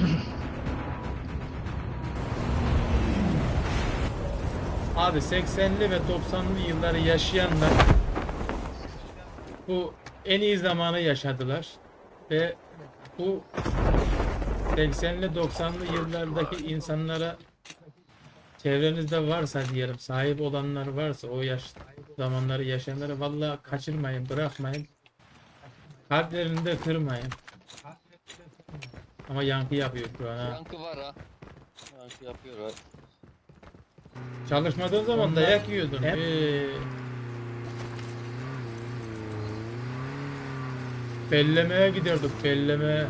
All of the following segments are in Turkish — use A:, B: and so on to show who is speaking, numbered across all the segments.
A: Abi 80'li ve 90'lı yılları yaşayanlar bu en iyi zamanı yaşadılar ve bu 80'li 90'lı yıllardaki insanlara çevrenizde varsa diyelim, sahip olanlar varsa, o yaş zamanları yaşayanları vallahi kaçırmayın, bırakmayın. Kalplerini de kırmayın. Ama yankı yapıyor şu an ha.
B: Yankı var ha. Yankı yapıyor ha.
A: Çalışmadığın zaman dayak yiyordun. Bellemeye giderdik, bellemeye.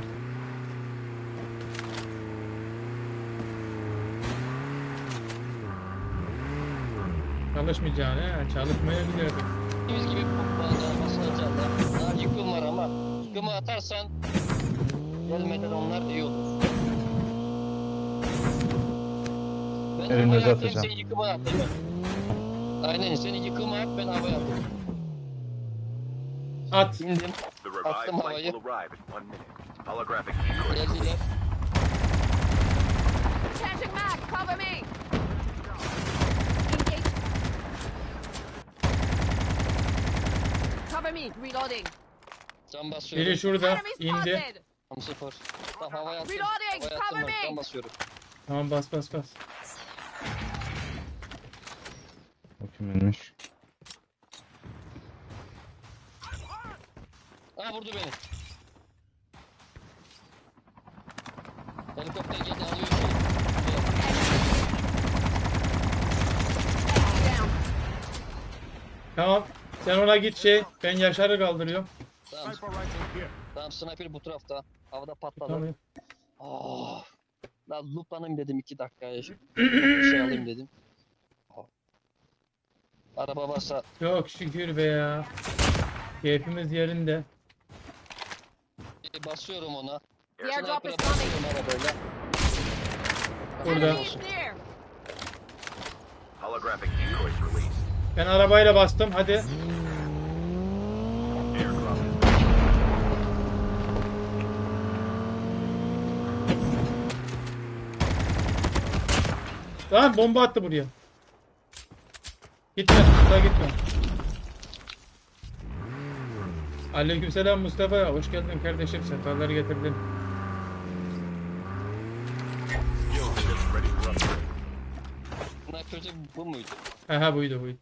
A: Çalışmayacaksın he, çalışmaya giderdik.
B: Biz gibi bazen basılacaklar. Daha yıkım var ama yıkımı atarsan gelmeden onlar iyi olur. Ben
C: Elinde
B: havaya atayım,
C: atacağım.
B: sen yıkıma at değil mi? Aynen, seni yıkıma at, ben havaya atayım.
A: At.
B: İndim,
D: The revived
B: attım
D: flight
B: havayı.
D: will arrive in 1 minute. Holographic decoys
B: Geldiler.
D: released.
E: Changing mag, cover me! Engage. Cover me, reloading.
B: Can basıyorum.
A: Biri şurada
E: Enemy
A: indi.
E: spotted!
B: Tam sıfır. Tam havaya attım.
E: Reloading,
B: Havaya
E: cover
B: attım,
E: me.
B: can basıyorum.
A: Tamam, bas bas bas.
C: O kiminmiş?
B: Aa, vurdu beni. Helikopter geldi, alıyor şey.
E: Down.
A: Tamam. Sen ona git şey. Ben Yaşar'ı kaldırıyorum.
B: Tamam. Tamam, sniper bu tarafta. Havada patladı.
A: Tamam.
B: Oh. Lan looplanayım dedim 2 dakikaya. Bir şey alayım dedim. Araba varsa
A: Çok şükür be ya. Keyfimiz yerinde.
B: basıyorum ona.
E: The airdrop is
B: Sniper'a
E: coming.
B: basıyorum arabayla.
A: Burada.
E: Enemy is near.
D: Holographic decoys released.
A: Ben arabayla bastım. Hadi.
D: Airdrop is
A: Tamam, bomba attı buraya. Gitme. Daha gitme. Aleykümselam Mustafa. Hoş geldin kardeşim. Sefalar getirdin.
D: skill chips ready for upgrade.
B: Sniper'cı bu muydu?
A: Aha, buydu buydu.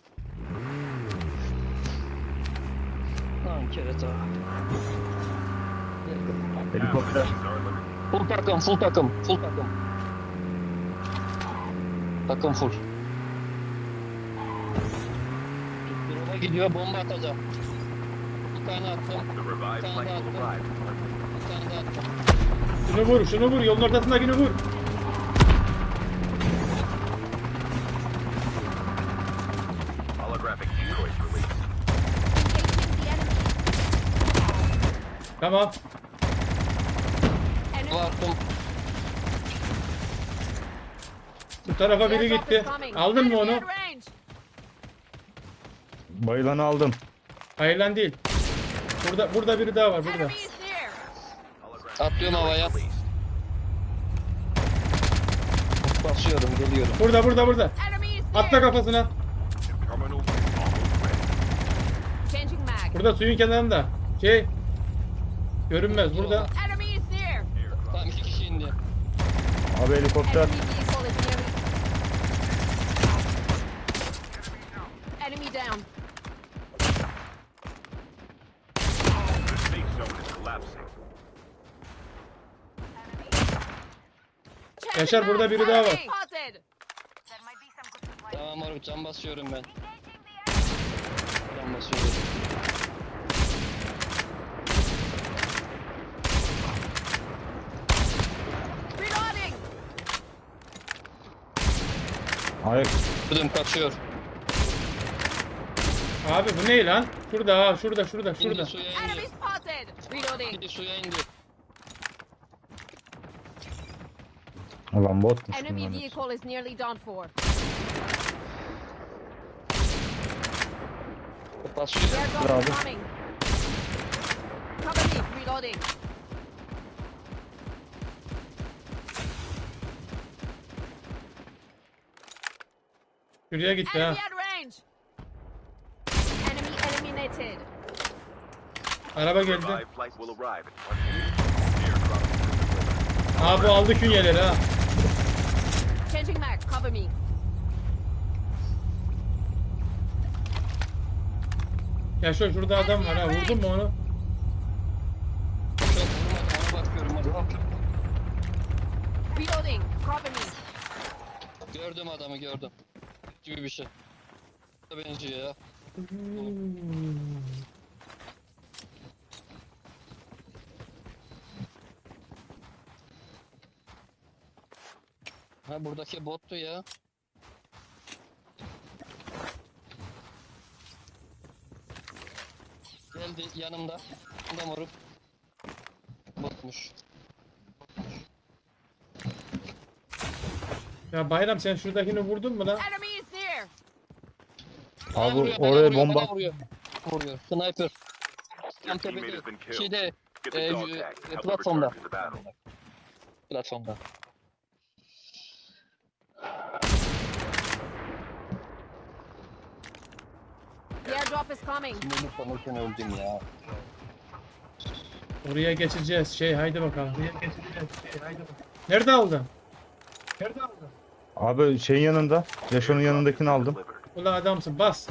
B: Lan kereta.
C: Helikopter.
D: Ammunitions are limited.
B: Full takım, full takım, full takım. Takım full. Duruma gidiyor, bomba atacağım. Bir tane attım,
D: The revived
B: Found
D: flight
B: out.
D: will arrive in 1 minute.
B: bir tane daha attım.
A: Şunu vur, şunu vur. Yolun ortasındakini vur.
D: Holographic decoys released.
E: Engaging the enemy.
A: Tamam.
B: Bu
E: Enemy.
B: attım.
A: Bu tarafa biri
E: Airdrop
A: gitti.
E: is coming.
A: Aldın mı
E: Enemy
A: onu?
E: at range.
C: Bayılanı aldım.
A: Hayır lan, değil. Burada biri daha var burada.
E: Enemy is near.
D: Holographic
B: Atlıyorum
D: decoys
B: havaya.
D: released.
B: Basıyorum, geliyorum.
A: Burada.
E: Enemy is
A: Atla
E: near.
A: kafasına.
D: Terminal is almost ready.
E: Changing mag.
A: Burada suyun kenarında. Şey. Görünmez burada.
E: Enemy is near.
D: Airdrop.
B: Tamam, 2 kişi indi.
C: Abi helikopter.
E: Enemy vehicle is near me. Enemy down.
D: The safe zone is collapsing.
E: Changing
A: Yaşar, burada
E: mag.
A: biri daha var.
E: Enemy spotted.
B: Tamam moruk, can basıyorum ben. Can basıyorum.
E: Reloading.
C: Ay,
B: Kırdım, kaçıyor.
A: Abi bu ne lan? Şurada ha, şurada.
B: İndi, suya
E: Enemy
B: indi.
E: spotted. Reloading.
B: İndi, suya indi.
C: ulan botmuş
E: Enemy
C: bunlar.
E: vehicle is nearly done for.
B: Basıyorum.
E: Airdrop
C: Bravo.
E: is coming. Cover me. Reloading.
A: Şuraya gitti
E: Enemy
A: ha.
E: at range. Enemy eliminated.
A: Araba geldi.
D: Revive flight will arrive in 1 minute. Airdrop is delivered.
A: Aa bu aldı künyeleri ha.
E: Changing mag. Cover me.
A: Ya şurada adam var ha. Vurdun mu onu?
B: Yok vurmadım, ona bakıyorum. Hadi.
E: Reloading. Cover me.
B: Gördüm adamı gördüm. Gibi bir şey. Benziyor ya. Ha buradaki bottu ya. Geldi yanımda. Yanımda moruk. Botmuş.
A: Ya Bayram sen şuradakini vurdun mu lan?
E: Enemy is near.
B: Bana
C: Abi
B: vuruyor, bana
C: oraya
B: vuruyor,
C: bomba.
B: bana vuruyor. Vuruyor. Sniper. Tam
D: Your teammate
B: tepede.
D: has been killed.
B: Şeyde.
D: Get the dog tag. Help them
B: Platformda.
D: return to the battle.
B: Platformda.
E: The airdrop is coming.
B: Sinirli sanırken öldüm ya.
A: Oraya geçeceğiz. Haydi bakalım. Nerede aldın?
C: Abi şeyin yanında. Yaşon'un yanındakini aldım.
D: Delivered.
A: Ulan adamsın bas.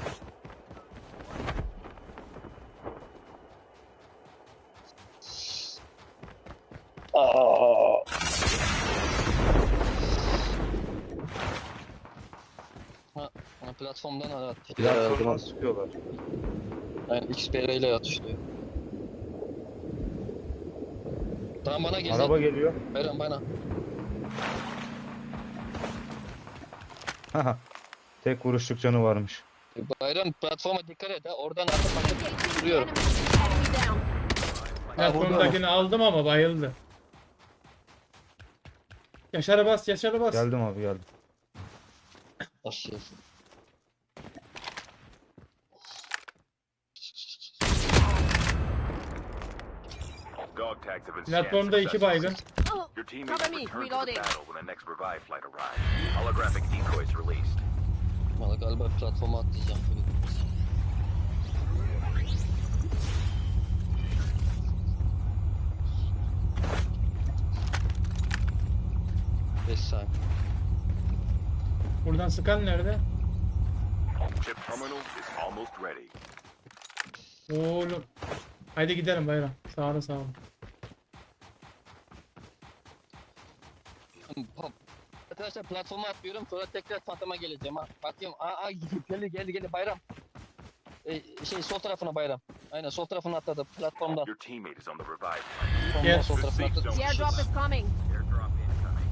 B: Ha, platformdan ara attı.
C: Platformdan sıkıyorlar.
B: Yani XPR ile atışlıyor. Tamam bana geldi.
C: Araba geliyor.
B: Beren bana.
C: Haha. Tek vuruşluk canı varmış.
B: Bayram platforma dikkat et ha. Oradan atıp
E: Engaging the
B: duruyorum.
E: enemy. Enemy down.
A: Platformdakini aldım ama bayıldı. Yaşar'a bas, Yaşar'a bas.
C: Geldim abi geldim.
B: Aşağı.
D: Dog tags have been scanned
A: Platformda 2
D: successfully.
A: baygın.
E: Oh,
D: Your team
E: cover
D: will
E: me.
D: return to the
E: Reloading.
D: battle when the next revive flight arrives. Holographic decoys released.
B: Valla galiba platforma atlayacağım. 5 saniye.
A: Buradan sıkan nerede?
D: Chip terminal is almost ready.
A: Oğlum. Haydi gidelim Bayram. Sağ olun sağ olun.
B: Arkadaşlar platforma atlıyorum sonra tekrar fantoma geleceğim ha. Bakıyorum geldi Bayram. Sol tarafına Bayram. Aynen sol tarafına atladı platformdan.
D: Your teammate is on the revive flight.
B: Platformdan
A: Gel.
B: sol tarafına atladı.
E: The airdrop is coming.
D: Airdrop incoming.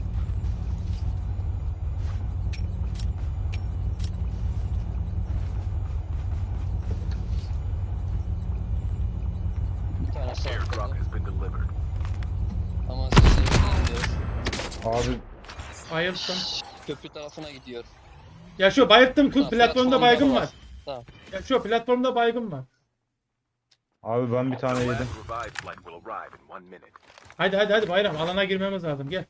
B: Bir tane sağ
D: Airdrop
B: atladı.
D: has been delivered.
B: Ama sesleri gelmiyor.
C: Abi
A: Bayılttım.
B: Köprü tarafına gidiyor.
A: Ya şu bayılttım.
B: Tamam,
A: Platformda baygın var.
B: Tamam.
A: Ya şu platformda baygın var.
C: abi ben bir tane
D: The
C: yedim.
D: last revive flight will arrive in 1 minute.
A: Hadi Bayram. Alana girmemiz lazım. Gel.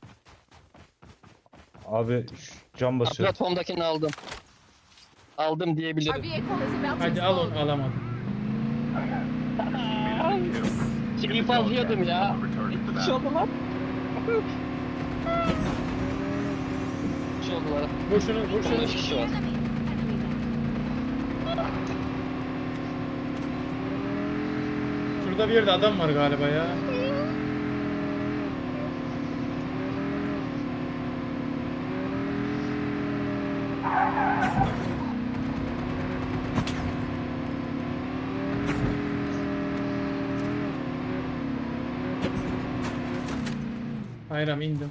C: Abi cam basıyorum.
B: Platformdakini aldım. Aldım
E: Our
B: diyebilirim.
E: vehicle is about to
A: Hadi al onu.
E: explode.
A: Alamadım.
B: Şeyi fazlıyordum ya.
D: Return to the
B: Bir şey
D: battle.
B: oldu lan. Bir şey oldu lan.
A: Vur şunu. Vur şunu.
B: 15 kişi var.
A: Şurada bir yerde adam var galiba ya. Bayram indim.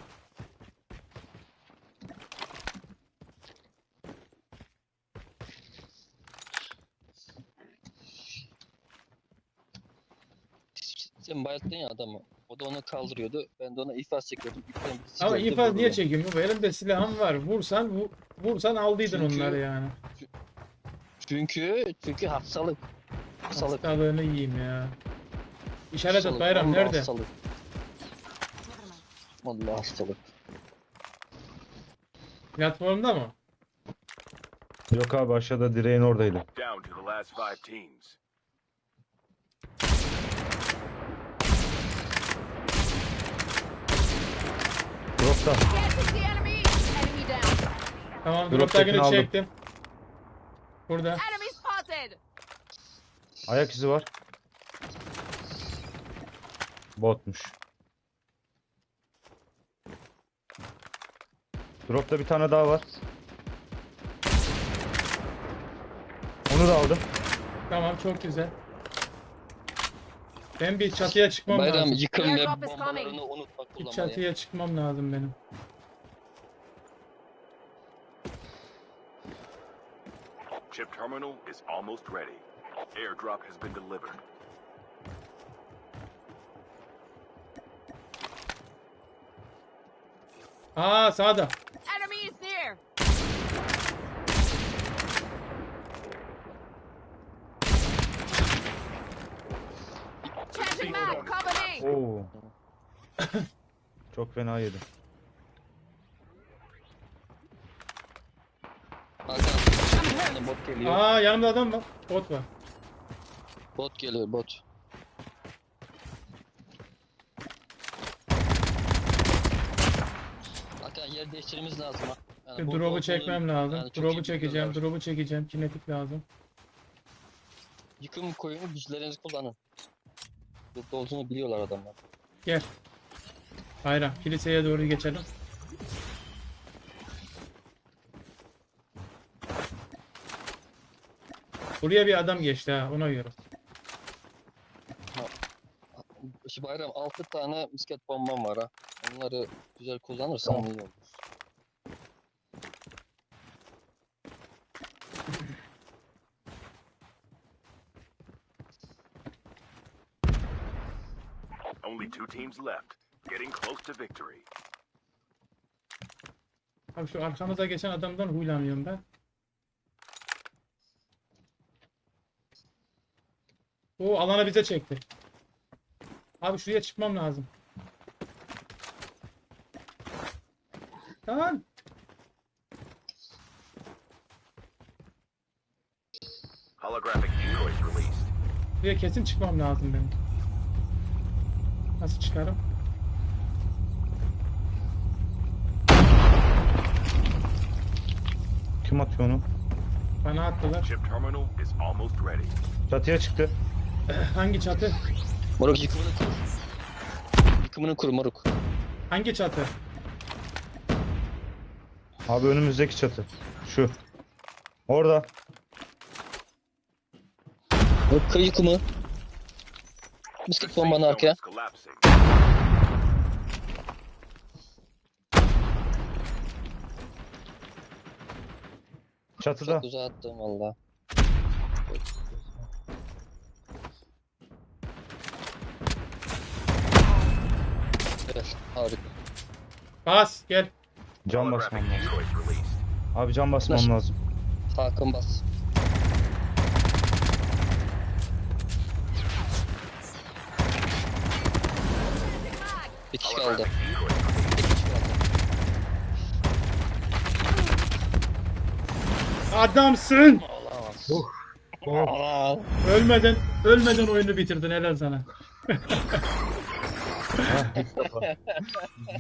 B: Sen bayılttın ya adamı. O da onu kaldırıyordu. Ben de ona ifaz çekiyordum. İpten birisi
A: Ama
B: geldi,
A: infaz niye
B: vurdu.
A: çekeyim? Elimde silahım var. Vursan aldıydın
B: Çünkü-
A: onları yani.
B: Çünkü hastalık. Hastalık.
A: Hastalığını yiyeyim ya. İşaret et
B: Hastalık,
A: Bayram
B: vallahi
A: nerede?
B: Hastalık. Vallahi hastalık.
A: Platformda mı?
C: Yok abi aşağıda direğin oradaydı.
D: Down to the last 5 teams.
C: Dropta.
E: Get to the enemy! Enemy down.
A: Tamam,
C: Drop'takini
A: drop'takini
C: aldım.
A: çektim. Burada.
E: Enemy spotted!
C: Ayak izi var. Botmuş. Dropta bir tane daha var. Onu da aldım.
A: Tamam, çok güzel. Ben bir çatıya çıkmam
B: Bayram
A: lazım.
B: yıkım ve
E: Airdrop is
B: bombalarını
E: coming.
B: unutma
A: Bir
B: kullanmayı.
A: çatıya çıkmam lazım benim.
D: Chip terminal is almost ready. Airdrop has been delivered.
A: Aa, sağda.
E: Enemy is near! Changing mag! Cover me!
C: Oo. Çok fena yedi.
B: Hakan, bir tane bot geliyor.
A: Aa, yanımda adam var. Bot var.
B: Bot geliyor, bot. Hakan yer değiştirmemiz lazım ha. Yani
A: Bir
B: bot
A: drop'u
B: olduğunu-
A: çekmem lazım.
B: yani çok iyi
A: Drop'u çekeceğim.
B: biliyorlar.
A: Drop'u çekeceğim. Kinetik lazım.
B: Yıkım koyun, güçlerinizi kullanın. Burada olduğunu biliyorlar adamlar.
A: Gel. Bayram, kiliseye doğru geçelim. Buraya bir adam geçti ha, ona göre.
B: Şu Bayram 6 tane misket bombam var ha. Onları güzel kullanırsan
C: Tamam.
B: iyi olur.
D: Only 2 teams left. Getting close to victory.
A: Abi şu arkamıza geçen adamdan huylanıyorum ben. O alana bize çekti. Abi şuraya çıkmam lazım. Tamam.
D: Holographic decoys released.
A: Buraya kesin çıkmam lazım benim. Nasıl çıkarım?
C: Kim atıyor onu?
A: Bana attılar.
D: Chip terminal is almost ready.
C: Çatıya çıktı.
A: Hangi çatı?
B: Moruk yıkımını kur. Yıkımını kur moruk.
A: Hangi çatı?
C: Abi önümüzdeki çatı. Şu. Orada.
B: Moruk kır yıkımı.
D: The
B: Misket
D: safe
B: bombanı
D: zone
B: arkaya.
D: is collapsing.
C: Çatıda.
B: Çok uzağa attım valla. Evet, harika.
A: Bas gel.
C: Cam
D: Holographic
C: basmam lazım.
D: decoys released.
C: Abi cam basmam
B: Nasıl?
C: lazım.
B: Hakan bas. Bir kişi kaldı.
D: Holographic decoys released.
B: Bir kişi kaldı.
A: Adamsın.
B: Olamaz.
C: Oh.
B: Aa,
A: Ölmeden oyunu bitirdin, helal sana.
C: Heh, ilk defa.